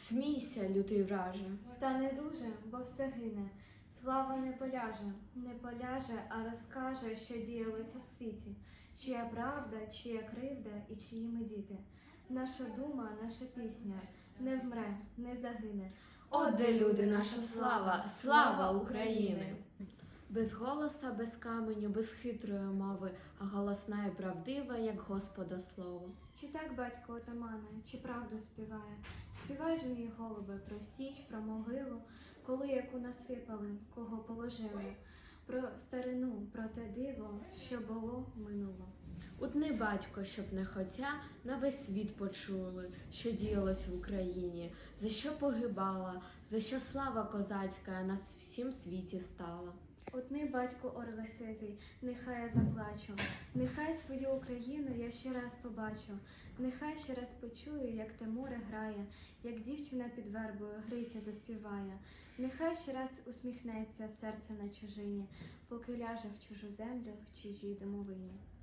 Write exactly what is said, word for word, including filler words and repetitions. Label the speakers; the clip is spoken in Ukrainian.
Speaker 1: Смійся, лютий враже.
Speaker 2: Та не дуже, бо все гине. Слава не поляже, не поляже, а розкаже, що діялося в світі. Чия правда, чия кривда і чиї ми діти. Наша дума, наша пісня не вмре, не загине.
Speaker 1: О, де люди, наша слава, слава України! Без голоса, без каменю, без хитрої мови, а голосна і правдива, як Господа слово.
Speaker 2: Чи так батько отамане, чи правду співає? Співай же, мій голубе, про січ, про могилу, коли яку насипали, кого положили, про старину, про те диво, що було, минуло.
Speaker 1: Утни, батько, щоб не хотя на весь світ почули, що діялось в Україні, за що погибала, за що слава козацька на всім світі стала.
Speaker 2: Утни, батьку орли сизий, нехай я заплачу, нехай свою Україну я ще раз побачу, нехай ще раз почую, як те море грає, як дівчина під вербою Гриця заспіває, нехай ще раз усміхнеться серце на чужині, поки ляже в чужу землю, в чужій домовині.